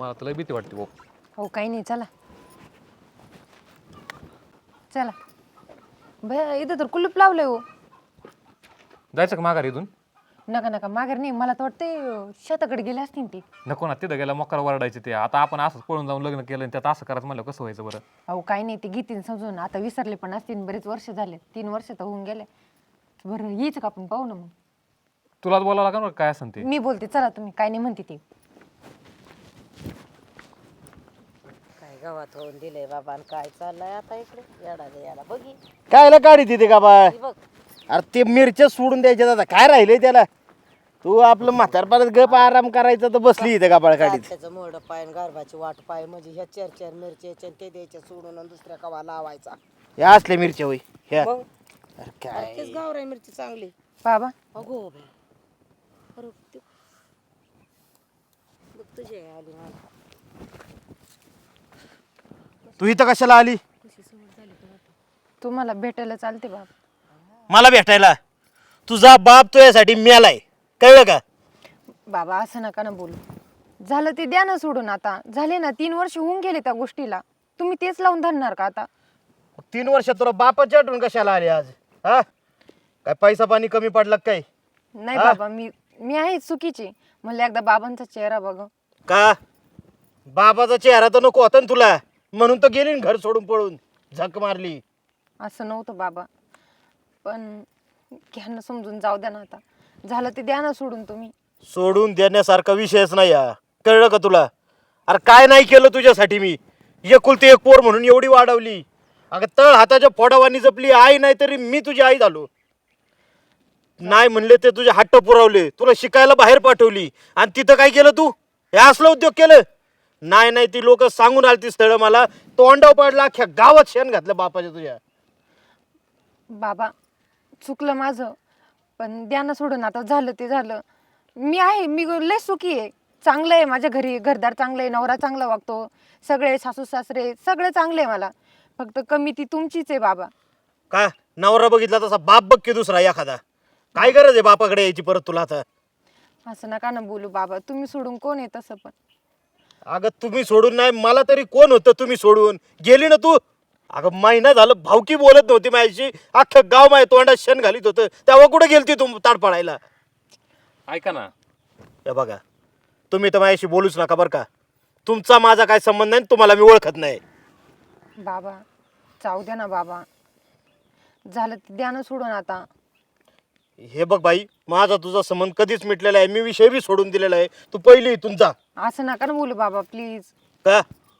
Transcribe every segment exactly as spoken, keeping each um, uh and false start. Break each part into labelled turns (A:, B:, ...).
A: मला तुला भीती वाटते भाऊ.
B: हो काही नाही, चला चला. भैया इथं तर कुलूप लावलंय हो.
A: जायचं का माघार इथून?
B: नका नका माघार नाही, मला तर वाटते शेताकडे गेले असतील ते.
A: नको ना, तिथं गेला मकर वरडायचे ते. आता आपण असंच पळून जाऊन लग्न केलं आणि त्यात असं करायचं म्हणलं कसं व्हायचं बरं?
B: अहो काही नाही, ते घेतील समजून. आता विसरले पण असतील, बरेच वर्ष झाले, तीन वर्ष तर होऊन गेले. बरं यायचं का आपण, पाहू ना मग.
A: तुलाच बोलावं लागेल बरं काय असेल ते.
B: मी बोलते, चला तुम्ही काय नाही म्हणते ते.
C: काय गावात होऊन दिलंय बाबा आणि काय चाललंय आता इकडे याडा याला बघी
D: कायला गाडी तिथे का बा?
C: ती बघ
D: अरे ते मिरच्या सोडून द्यायच्या दादा, काय राहिलंय त्याला? तू आपलं म्हातारपणात गप आराम करायचा तर बसली इथे गाबाळ गाडीत.
C: त्याचं मोड पाय गारभाची वाट पाय म्हणजे ह्या चार चार मिरच्या ते द्यायच्या सोडून आणि दुसऱ्या कवा लावायचा.
D: या असल्या मिरच्या होई ह्या.
C: मग
D: अरे काय
C: तेच गावराई मिरची चांगली.
B: बाबा
C: अगो बाई. अरे ते- बघ तुझी आई आली मला.
D: तू इथं कशाला आली?
B: तुम्हाला भेटायला चालते बाबा.
D: मला भेटायला? तुझा बाप तुझ्यासाठी मेलाय, कळलं का?
B: बाबा असं नका ना बोलू. झालं ते द्या ना सोडून. आता झाले ना, तीन वर्ष होऊन गेले त्या गोष्टीला. तुम्ही तेच लावून धरणार का आता?
D: तीन वर्ष तुला बापाच्या आठवण कशाला आली आज? हा काय पैसा पाणी कमी पडला काय?
B: नाही
D: हा?
B: बाबा, मी मी आहे चुकीची. म्हणलं एकदा बाबांचा चेहरा बघ.
D: का बाबाचा चेहरा तर नको होता ना तुला, म्हणून तर गेली ना घर सोडून पळून, झक मारली.
B: असं नव्हतं बाबा, पण घ्या समजून, जाऊ द्या ना आता. झालं ते द्या ना सोडून तुम्ही.
D: सोडून देण्यासारखा विषयच नाही हा, कळलं का तुला? अरे काय नाही केलं तुझ्यासाठी मी? एकुलती एक पोर म्हणून एवढी वाढवली. अगं तळ हाताच्या फोडावानी जपली. आई नाही तरी मी तुझी आई झालो. नाही म्हणले ते तुझे हट्ट पुरवले, तुला शिकायला बाहेर पाठवली आणि तिथं काय केलं तू? हे असलं उद्योग केलं? नाही नाही ती लोक सांगून आली ती स्थळं मला, तोंडाव पडला, अख्ख्या गावात शेण घातलं बापाच्या तुझ्या.
B: बाबा चुकलं माझं, पण द्या ना सोडून आता. झालं ते झालं. मी आहे, मी लय सुखी आहे. चांगलं आहे माझ्या घरी, घरदार चांगलं आहे, नवरा चांगला वागतो, सगळे सासू सासरे सगळे चांगले आहे मला. फक्त कमी ती तुमचीच आहे बाबा.
D: का नवरा बघितला तसा बाप बघ की दुसरा एखादा? काय गरज आहे बापाकडे यायची परत तुला आता?
B: असं नका ना बोलू बाबा. तुम्ही सोडून कोण आहे तसं पण?
D: अगं तुम्ही सोडून नाही, मला तरी कोण होतं तुम्ही सोडून गेली ना तू? अगं महिना झालं भावकी बोलत नव्हती माझ्याशी, अख्खं गाव माझ्या तोंडात शेण घालीत होतं, तेव्हा कुठे गेलती तू ताडपडायला?
A: ऐका ना,
D: हे बघा, तुम्ही तर माझ्याशी बोलूच नका बरं का. तुमचा माझा काय संबंध नाही, तुम्हाला मी ओळखत नाही.
B: बाबा जाऊ द्या ना बाबा. झालं ते द्या ना सोडून आता.
D: हे बघ बाई, माझा तुझा संबंध कधीच मिटलेला आहे, मी विषय बी सोडून दिलेला आहे. तू पहिली इथून जा.
B: असं नका ना बोलू बाबा प्लीज.
D: का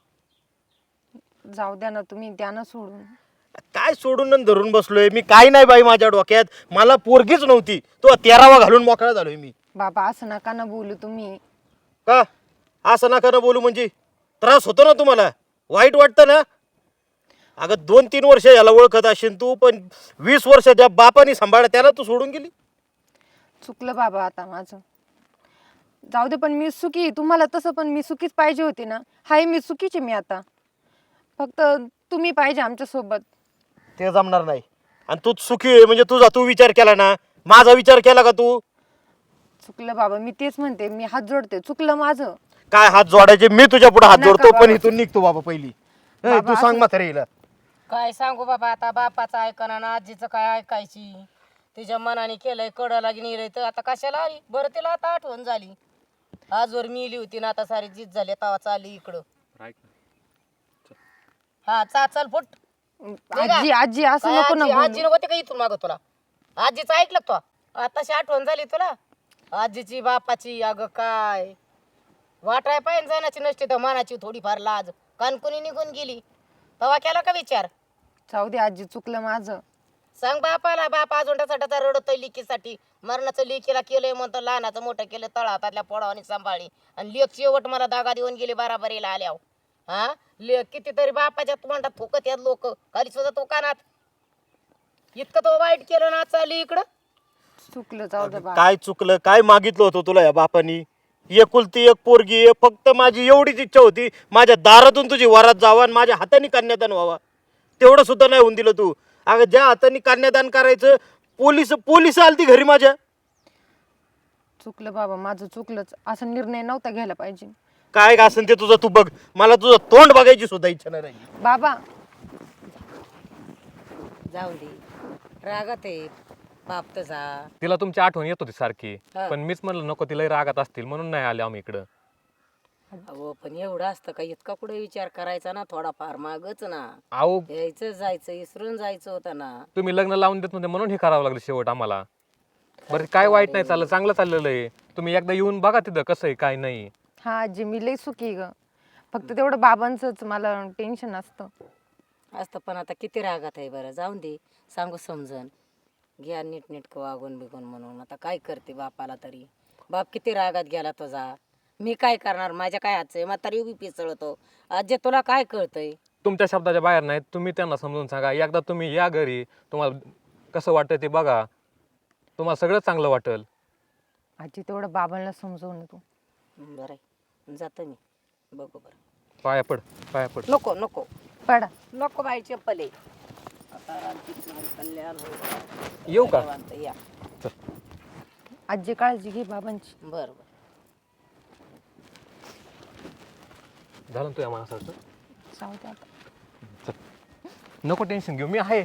B: जाऊ द्या ना तुम्ही, द्या ना सोडून.
D: काय सोडून आणि धरून बसलोय मी? काय नाही बाई माझ्या डोक्यात, मला पोरगीच नव्हती, तो तेरावा घालून मोकळा झालोय मी.
B: बाबा असं नका ना बोलू तुम्ही.
D: का असं नका ना बोलू म्हणजे? त्रास होतो ना तुम्हाला? वाईट वाटतं ना? अगं दोन तीन वर्ष याला ओळखत असेल तू, पण वीस वर्ष ज्या बापाने सांभाळा त्याला तू सोडून गेली.
B: चुकलं बाबा आता माझं. जाऊ दे, पण मी सुखी आहे. तुम्हाला तसं पण मी सुखीच पाहिजे होती ना. हाय मी सुखीची मी आता. फक्त तुम्ही पाहिजे आमच्या सोबत.
D: ते जमणार नाही. आणि तू सुखी आहे म्हणजे तुझा तू विचार केला ना? माझा विचार केला का तू?
B: चुकलं बाबा, मी तेच म्हणते, मी हात जोडते. चुकलं माझं.
D: काय हात जोडायचे? मी तुझ्या पुढे हात
B: नका
D: जोडतो, पण
B: बाबा.
D: इथून निघतो बाबा पहिली. ए,
B: बाबा,
D: तू सांग
B: असं-
D: म्हातारीला.
C: काय सांगू बाबा आता, बापाचं ऐकणं ना आजीचं काय ऐकायची. तिच्या मनाने केलंय, कडला गेलंय तर आता कशाला आली बरं? तिला आता आठवण झाली. आजवर मिली होती ना, आता सारी जीत झाली, तवा चालली इकडं.
A: ऐक ना.
C: हा चा चल फुट.
B: आजी आजी असं
C: काय
B: नको ना
C: आजी
B: बोलू.
C: आजी होते का इथून माग तुला? आजीचं ऐकलं का तू? आताशी आठवण झाली तुला आजीची बापाची? अगं काय वाटाय पाहिजे जाण्याची नसते तर मनाची थोडीफार लाज. कानकुनी निघून गेली तवा केला का विचार?
B: जाऊ दे आजी, चुकलं माझं.
C: सांग बापाला. बाप अजून त्याचा रडतोय लिकीसाठी. मरणाचं लिकीला केलंय म्हणतो, लहानाचं मोठं केलं, तळ हातातल्या पोडावानी सांभाळली, आणि लेक शेवट मला दागा देऊन गेली बाराबरीला आल्यावर. हा लेक कितीतरी बापाच्या तोंडात थुकत यात लोक, खाली सुद्धा तो कानात. इतकं तो वाईट केलं ना चालली इकडं.
B: चुकलं, जाऊ दे बाबा.
D: काय चुकलं? काय मागितलं होतं तुला या बापानी? एकुलती एक पोरगी आहे, फक्त माझी एवढीच इच्छा होती, माझ्या दारातून तुझी वरात जावा आणि माझ्या हाताने कन्यादान व्हावा. तेवढं सुद्धा नाही होऊन दिलं तू. अगं ज्या हाताने कन्यादान करायचं, पोलीस पोलीस आलती घरी माझ्या.
B: चुकलं बाबा माझं, चुकलंच. असा निर्णय नव्हता घ्यायला पाहिजे.
D: काय असेल ते तुझं तू बघ, मला तुझं तोंड बघायची सुद्धा इच्छा नाही राहिली.
B: बाबा
C: जाऊ दे, रागात आहे बाप तसा.
A: तिला तुमची आठवण येत होती सारखी,
C: हा.
A: पण मीच म्हणलं नको तिला रागात असतील म्हणून नाही आले आम्ही इकडं.
C: अहो पण एवढं असतं का, इतका कुठे विचार करायचा ना, थोडाफार मागच ना.
A: अहो
C: यायचं जायचं इसरून जायचं होतं ना.
A: तुम्ही लग्न लावून देत नव्हते म्हणून हे करावं लागलं शेवट आम्हाला. बरं काय वाईट नाही चाललं, चांगलं चाललेलं आहे. तुम्ही एकदा येऊन बघा तिथं कसं आहे काय नाही.
B: हा आजी मी लई सुखी आहे ग, फक्त तेवढं बाबांचंच मला टेन्शन असतं.
C: असतं पण आता किती रागात आहे बरं. जाऊन दे, सांगू समजन, घ्या नीटनेटकं वागून बिगून म्हणून. आता काय करते बापाला तरी, बाप किती रागात गेला तुझा. मी काय करणार, माझ्या काय हातचं आहे, म्हातारी उभी पिसळतो. आजी तुला काय कळतंय.
A: तुमच्या शब्दाच्या बाहेर नाही, तुम्ही त्यांना समजून सांगा. एकदा तुम्ही या घरी, तुम्हाला कसं वाटतं ते बघा, तुम्हाला सगळं चांगलं वाटेल.
B: आजी तेवढं बाबांना समजवून तू.
C: बरं आहे, जातं मी, बघू बरं.
A: पाया पड पाया पड.
C: नको नको
B: पडा.
C: नको बाई चप्पल आहे. आता रामकृष्ण हरी कल्याण होईल.
A: येऊ का?
C: निवांत या.
B: आजी काळजी घे बाबांची.
C: बरं बरं.
A: झालं ना तुझ्या माणसाचं.
B: जाऊ दे आता.
A: नको टेन्शन घेऊ, मी आहे.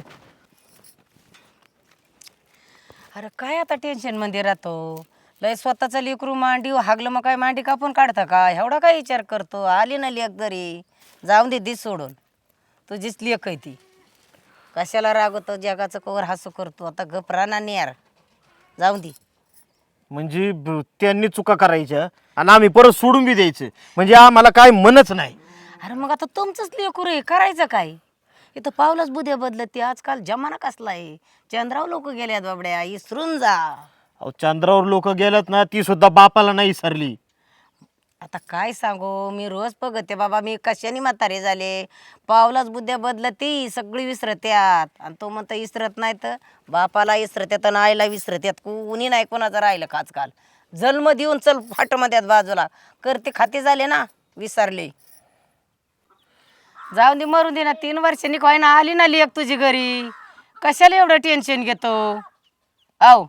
C: अरे काय आता टेन्शन मध्ये राहतो. लय स्वतःचं लेकरू मांडी हागलं मग काय मांडी कापून काढता का, एवढा काय विचार करतो. आली ना लेक घरी, जाऊन दे दिस सोडून. तुझीच लेक आहे ती, कशाला रागवतो, जगाचं कवर हसू करतो. आता गप राहणार नाही यार, जाऊन दे.
D: म्हणजे ब- त्यांनी चुका करायच्या आणि आम्ही परत सोडून बी द्यायचं, म्हणजे आम्हाला काय मनच नाही.
C: अरे मग आता तुमचंच लेकरू आहे, करायचं काय. इथं पावलंच बुद्ध्या बदलत ते. आजकाल जमाना कसला आहे. चंद्रावर लोक गेल्यात बाबड्या, इसरून जा.
D: अहो चंद्रावर लोक गेल्यात ना, ती सुद्धा बापाला नाही सरली.
C: आता काय सांगू, मी रोज बघते बाबा, मी कशाने म्हातारे झाले. पावलाच बुद्ध्या बदलती, सगळी विसरत्यात. आणि तो म्हणतो विसरत नाही, तर बापाला विसरत्यात आणि आईला विसरत्यात. कुणी नाही कोणाचं राहिलं का आजकाल. जन्म देऊन चल फाटमध्यात बाजूला, करते खाते झाले ना, विसरले. जाऊन दे, मरून दे ना. तीन वर्षांनी काय ना आली ना लेक तुझी घरी, कशाला एवढं टेन्शन घेतो. आव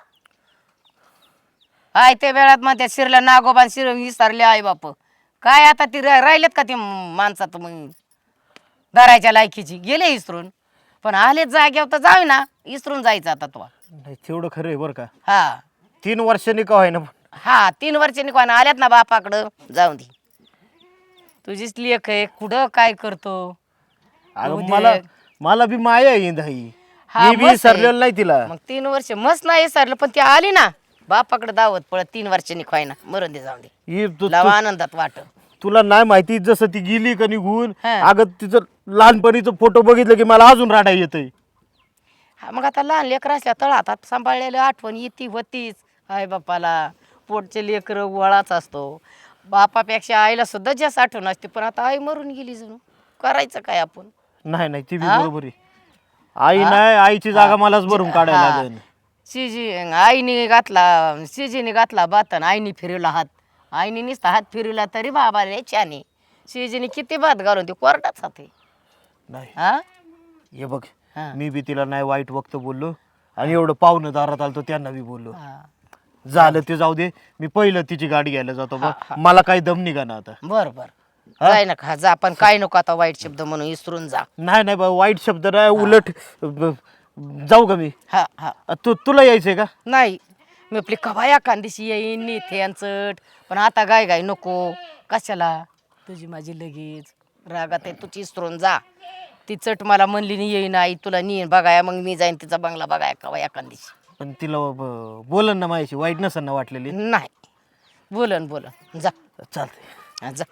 C: आय त्या वेळात मग त्या शिरल्या नागोबान शिर विसरले आई बाप. काय आता ती रा- राहिलेत का ती माणसात मग धरायच्या लायकीची, गेले इसरून. पण आले जाग्यावर तर जाऊ ना, इसरून जायचं आता तो.
D: नाही तेवढं खरं आहे बरं का.
C: हा
D: तीन वर्षांनी का होईना,
C: हा तीन वर्षांनी कोणा आल्यात ना बापाकडं, जाऊ दे. तुझीच लेख आहे, कुठं काय करतो.
D: अगं
C: होऊ दे.
D: मला मला बी माया आहे इंदाई.
C: हा,
D: मी बी
C: मस्त आहे.
D: सरलेलं नाही तिला.
C: मग तीन वर्ष मस्त नाही सरलं, पण ती आली ना बापाकडे दावत पळत. तीन वर्षांनी खोयना, मरून दे, जाऊन दे.
D: ही तु-
C: लावा आनंदात वाट.
D: तुला नाही माहिती, जसं ती गेली का निघून,
C: हा.
D: अगं तिचं लहानपणीचं फोटो बघितलं की मला अजून राडा येतंय.
C: हा मग आता लहान लेकर असल्या तळात सांभाळलेलं आठवण येती होतीच. आई बापाला पोटचे लेकर वळाच असतो. बापापेक्षा आईला सुद्धा जास्त आठवण असते. पण आता आई मरून गेली, जणू करायचं काय आपण.
D: नाही नाही ती बी
C: हा?
D: बरोबर आहे. आई नाही, आईची जागा मलाच भरून काढायला
C: हा.
D: लागेल.
C: शिजी आईने घातला, शिजीने घातला बातन, आईने फिरवला हात. आईने नुसता हात फिरवला तरी बाबा रे छाने. शिजीने किती भात घालून ती कोरडाच हात आहे.
D: नाही
C: हा
D: हे बघ,
C: हा.
D: मी बी तिला नाही वाईट वक्त बोललो आणि एवढं पाहुणं दारात आलतो त्यांना बी बोललो.
C: हा.
D: झालं ते जाऊ दे, मी पहिलं तिची गाडी घ्यायला जातो बघ.
C: हा, हा.
D: मला काही दम निघा ना आता.
C: बर बर, जाय ना खा जा, पण काय नको आता वाईट शब्द म्हणून विसरून जा.
D: नाही नाही बा, वाईट शब्द नाही, उलट ब- जाऊ का मी.
C: हा हा.
D: अ, तू तुला यायचंय का?
C: नाही मी आपली कवाया कांदिशी येईन नेथे चट, पण आता गाय गाय नको. कशाला तुझी माझी लगेच रागात आहे, तुझी इसरून जा. ती चट मला म्हणली नाही येईन आई तुला नेईन बघाया, मग मी जाईन तिचा बंगला बघाया कवाया कांदिशी.
D: पण तिला ब- बोलन ना माझ्याशी, वाईट नसन ना वाटलेली.
C: नाही बोलन बोलन जा.
D: चालते.
C: हा, जा.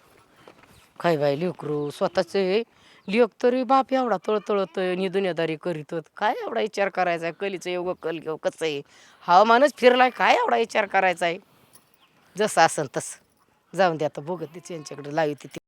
C: काय बाई लेकरू स्वतःचे लेक तरी बाप एवढा तळतळत नि दुनियादारी करीत. काय एवढा विचार करायचा आहे. कलीचं एवढं कल घेऊ कसं आहे, हवामानच फिरलाय, काय एवढा विचार करायचा आहे. जसं असन तसं जाऊन दे आता, बघत तिची यांच्याकडे लावी ती.